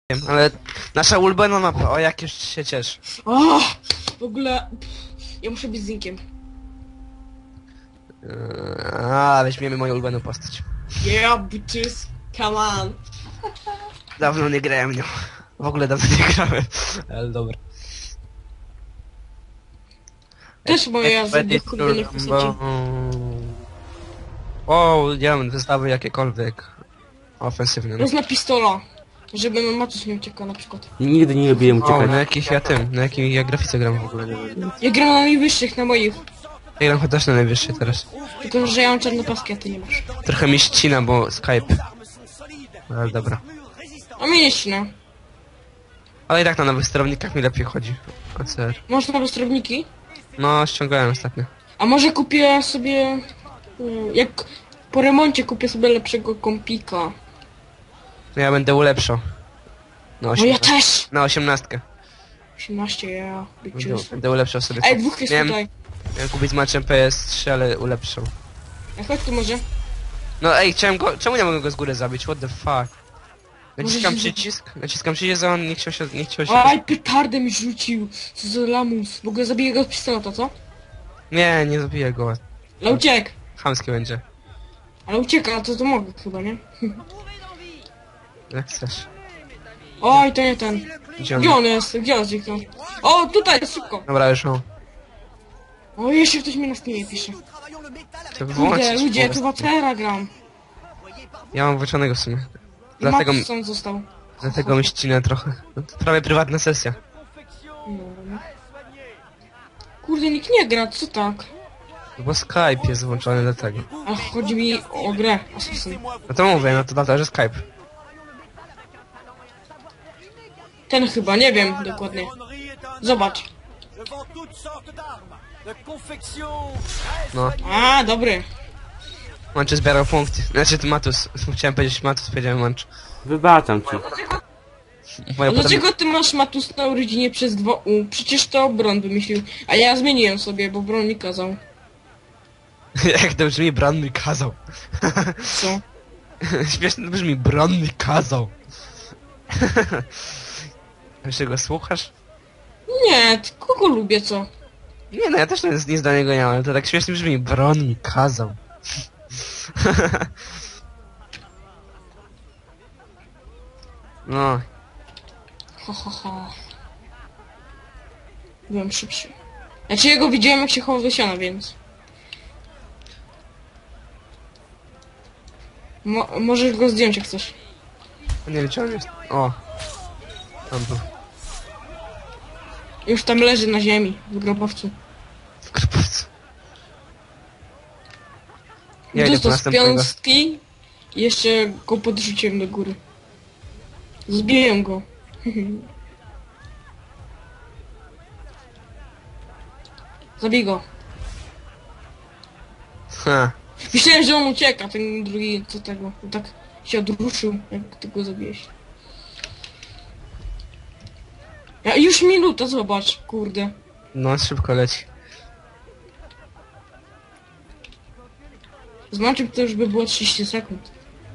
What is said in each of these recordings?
Wiem, ale nasza ulubiona mapa, o jak już się cieszę. O, w ogóle ja muszę być zinkiem. Weźmiemy moją ulubioną postać. Yeah, bitches, come on. Dawno nie grałem nią. W ogóle dawno nie grałem. Ale dobra. Też moja z Expeditor, ulubionych postaci. O, diament, wystawy jakiekolwiek. Ofensywne. No. Rozna pistola, żeby Matus nie uciekał na przykład. Nigdy nie lubiłem O, uciekać. na jakich ja na jakiej ja grafice gram w ogóle. Ja gram na najwyższych, na moich. Ja gram chociaż na najwyższej teraz. Tylko, że ja mam czarne paski, a ty nie masz. Trochę mi ścina, bo Skype. Ale dobra. A mnie nie ścina. Ale i tak na nowych sterownikach mi lepiej chodzi. ACR. Masz nowe sterowniki? No, ściągałem ostatnio. A może kupię sobie... Jak po remoncie kupię sobie lepszego kompika. No ja będę ulepszał. Na No ja też! Na 18. 18, ja, bitches. Będę ulepszał sobie. Ej, dwóch jest tutaj. Miałem kupić z matchem PS3, ale ulepszał. A chodź tu może. No ej, chciałem go... Czemu nie mogę go z góry zabić? What the fuck? Naciskam Może się- przycisk, a on nie chciał się... Aj, petardę mi rzucił. Co za lamus. W ogóle zabiję go z pistoleta, co? Nie zabiję go. Ale uciekł. Chamskie będzie. Ale ucieka, to mogę chyba, nie? Jak chcesz. Oj, to nie ten. Gdzie on? Gdzie on jest? Gdzie on zniknął? O, tutaj, szybko. Dobra, już mam. O, jeszcze ktoś mi na Steamie pisze. To wyłączyć. Kurde, ludzie, tu Watera gram. Ja mam włączonego w sumie. I Dlatego, Matus sam został. dlatego mi ścinę trochę. No, to prawie prywatna sesja. No. Kurde, nikt nie gra, co tak? Bo Skype jest włączony do tego. A chodzi mi o grę Assassin. No to mówię, no to dlatego, że Skype. Ten chyba, nie wiem dokładnie. Zobacz. No. A, dobry. Manczy zbierał punkty. Znaczy to Matus. Chciałem powiedzieć Matus, powiedziałem Manch. Wybaczam ci. Moja A dlaczego ty masz Matus na urodzinie przez 2U? Przecież to Bron wymyślił. A ja zmieniłem sobie, bo Bron mi kazał. Jak to brzmi, Bron mi kazał. Co? Śmiesznie to brzmi, Bron mi kazał. Wiesz, go słuchasz? Nie, ty kogo lubię, co? Nie no, ja też nic do niego nie mam, ale to tak śmiesznie brzmi, Bron mi kazał. No, Ha, ha, ha. Byłem szybszy. Znaczy jego widziałem jak się chował do siana, więc... Możesz go zdjąć jak chcesz. nie wiem gdzie on jest. O. Tam był. Już tam leży na ziemi, w grobowcu. W krupowcu. Ja idę po Dostał z następnego. piąstki i jeszcze go podrzuciłem do góry. Zbiję go. Zabij go. Ha. Myślałem, że on ucieka, ten drugi co tego. Tak się odruszył, jak ty go zabiłeś. Ja, już minuta, zobacz, kurde. No, szybko leci. Z Manczem to już by było 30 sekund.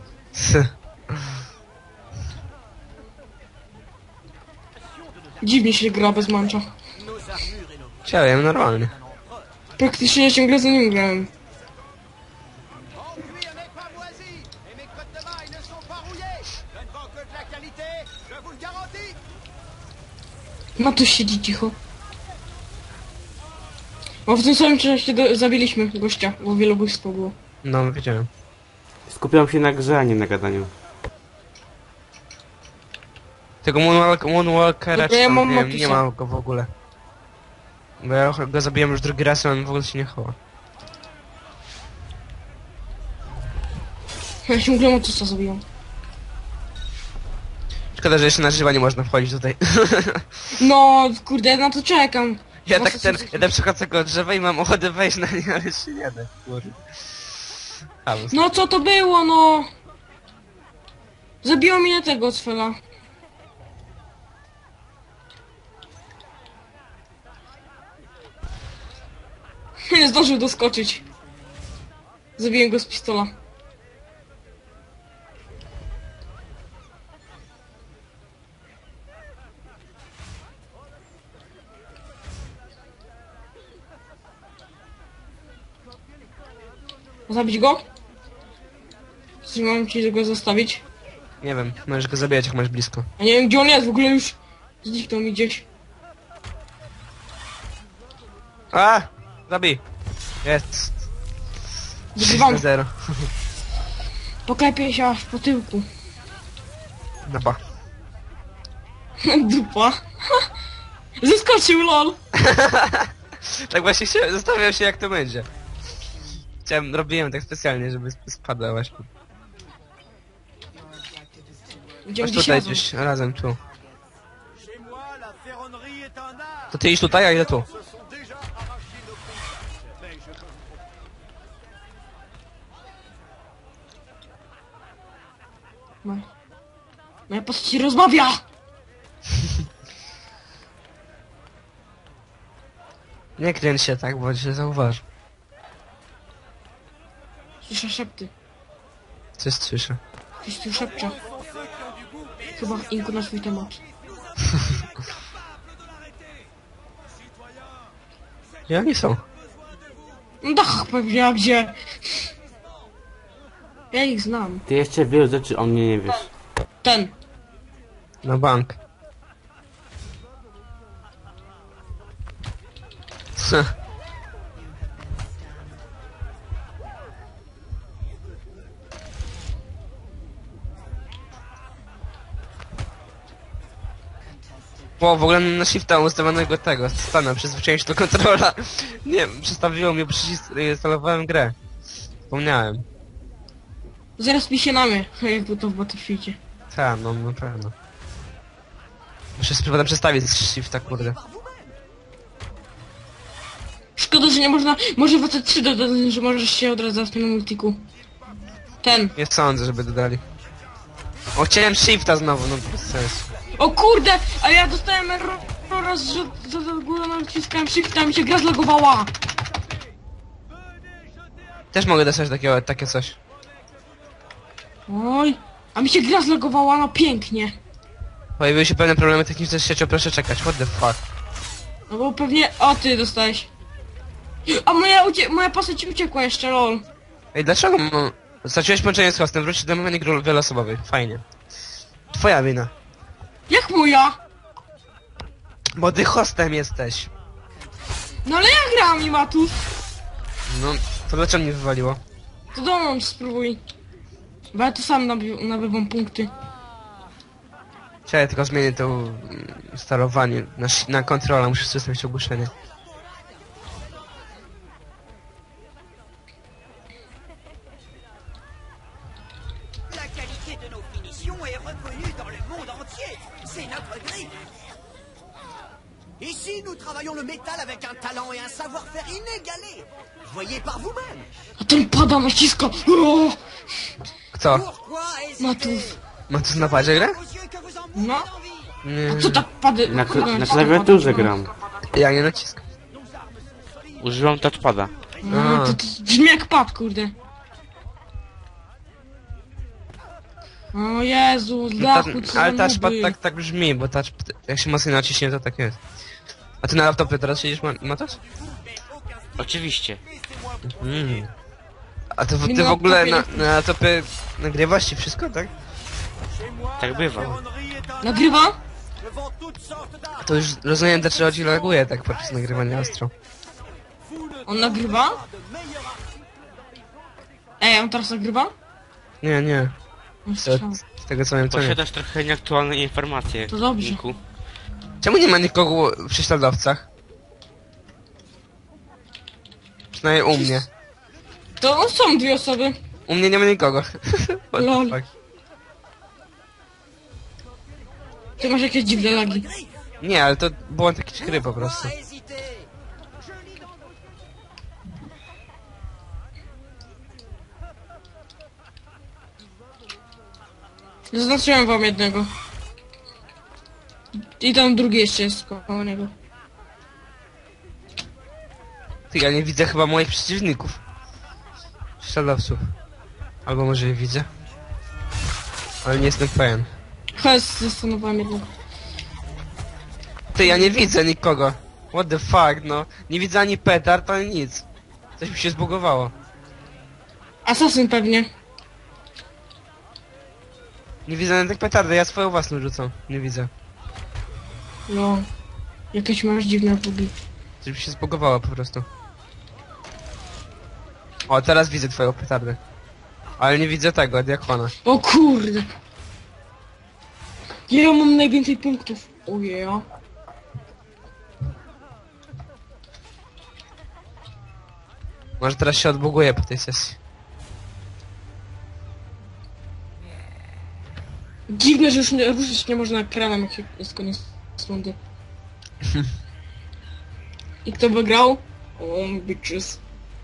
Dziwnie się gra bez Mancza. Chciałem normalnie. Praktycznie ciągle za nim grałem. No tu siedzi cicho. Bo w tym samym czasie zabiliśmy gościa, bo wielobójstwo było. No, wiedziałem. Skupiam się na grze, a nie na gadaniu. Tego Moonwalkera Dobra, ja czy tam, mam nie, wiem, Matusa. nie ma go w ogóle. Bo ja go zabiłem już drugi raz, a on w ogóle się nie chowa. Ja ciągle Matusa zabiłem. Szkoda, że jeszcze na żywa nie można wchodzić tutaj. No, kurde, na to czekam. Ja tak ja przechodzę koło drzewa i mam ochotę wejść na nie, ale się nie da, kurde. No co to było, no? Zabiło mnie tego cfela. Nie zdążył doskoczyć. Zabiłem go z pistola. Zabić go? Czy mam ci go zostawić? Nie wiem, możesz go zabijać jak masz blisko. Ja nie wiem gdzie on jest, w ogóle już zniknął mi gdzieś. A! Zabij! Jest! Wygrywam. 0. Poklepię się aż po tyłku. Napa. Dupa. Zeskoczył, lol. Tak właśnie zastanawiam się jak to będzie. Robiłem tak specjalnie, żeby spadła właśnie. Idziemy Masz gdzieś tutaj razem. gdzieś, razem tu. To ty idź tutaj, a idę tu. Moja postać rozmawia! Nie kręć się tak, bo się zauważy. Słyszę szepty. Coś słyszę. Ktoś tu szepcze. Chyba Inku na swój temat. I oni są. No tak, pewnie, a gdzie? Ja ich znam. Ty jeszcze wielu rzeczy o mnie nie wiesz. Ten. Na bank. Bo w ogóle na shifta ustawionego tego stana, przyzwyczaiłem się do kontrola. Nie, przestawiło mnie przycisk, instalowałem grę. Zapomniałem. Zaraz mi się namy, jak było to w Battlefieldzie. Tak, no na pewno. Muszę spróbować przestawić z shifta, kurde. Szkoda, że nie można... Może w AT3 dodać, że możesz się odradzać w tym multiku. Ten. Nie sądzę, żeby dodali. O, chciałem shifta znowu, no bez sensu. O kurde! A ja dostałem raz, że za górę naciskałem shifta, mi się gra zlogowała! Też mogę dostać takie coś. Oj! A mi się gra zlogowała, no pięknie! Pojawiły się pewne problemy techniczne z siecią, proszę czekać, what the fuck. No bo pewnie... O, ty dostałeś. A moja postać uciekła jeszcze, lol. Ej, dlaczego straciłeś połączenie z hostem, wrócić do menu gry wieloosobowej, fajnie. Twoja wina. Jak moja? Bo ty hostem jesteś. No ale ja grałam i Matus. No, to dlaczego mnie wywaliło? To dołącz, spróbuj. Bo ja tu sam nabywam punkty. Czekaj, tylko zmienię to sterowanie na kontrolę, muszę zostawić ogłoszenie. La qualité de nos finitions est reconnue dans le monde entier. C'est notre grille. Ici, nous travaillons le métal avec un talent et un savoir-faire inégalés. Voyez par vous-même. A ten pada naciska. O! Kto? Pourquoi Matus. hésiter? Ma tu na padzie grę? Aux yeux que vous en No. mourrez d'envie. Nie, A co tak pady... Na, kurde, na naciska klawiaturze pada? gram. ja nie naciskam. Używam touchpada. No, to brzmi jak pad, kurde. O Jezu, z dachu, co Ale za touchpad nuby. tak brzmi, bo jak się mocno naciśnie, to tak jest. A ty na laptopie teraz siedzisz, Matos? Oczywiście. A to Nie ty na w ogóle laptopie na laptopie nagrywasz ci wszystko, tak? Tak bywa. Nagrywa? To już rozumiem, dlaczego ci laguje tak podczas nagrywania ostro. On nagrywa? Ej, on teraz nagrywa? Nie, nie. On To, strzał. z tego co wiem, to nie. Posiadasz trochę nieaktualne informacje. To dobrze. Niku. Czemu nie ma nikogo w prześladowcach? Przynajmniej u mnie. To są dwie osoby. U mnie nie ma nikogo. What the Lol. fuck? Ty masz jakieś dziwne lagi. Nie, ale to było takie gry po prostu. Pourquoi hésiter? Zaznaczyłem wam jednego. I tam drugi jeszcze jest koło niego. Ty, ja nie widzę chyba moich przeciwników. Prześladowców. Albo może je widzę. Ale nie jestem pewien. Chodź, zastanowałem jednego. Ty, ja nie widzę nikogo. What the fuck, no. Nie widzę ani petard, ani nic. Coś mi się zbugowało. Asasyn pewnie. Nie widzę nawet petardy, ja swoją własną rzucam. Nie widzę. No. Jakieś masz dziwne bugi. Coś mi się zbugowało po prostu. O, teraz widzę twoją petardę. Ale nie widzę tego, diakona. O kurde. Ja mam najwięcej punktów. Ojej. Może teraz się odbuguje po tej sesji. Dziwne, że już ruszyć nie można ekranem, jak się jest koniec rundy. I kto wygrał? O, bitches.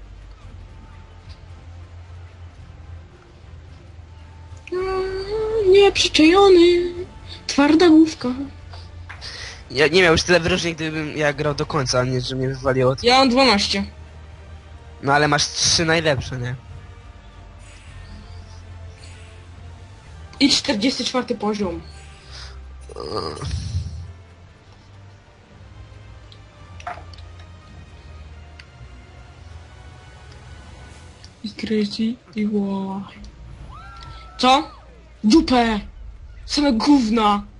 Nieprzyczajony. Twarda główka. Ja nie miał już tyle wyróżnień, gdybym ja grał do końca, a nie, że mnie wywaliło. Ja mam 12. No ale masz 3 najlepsze, nie? I 44 poziom. I crazy, i war. Co? Dupę! Same gówna!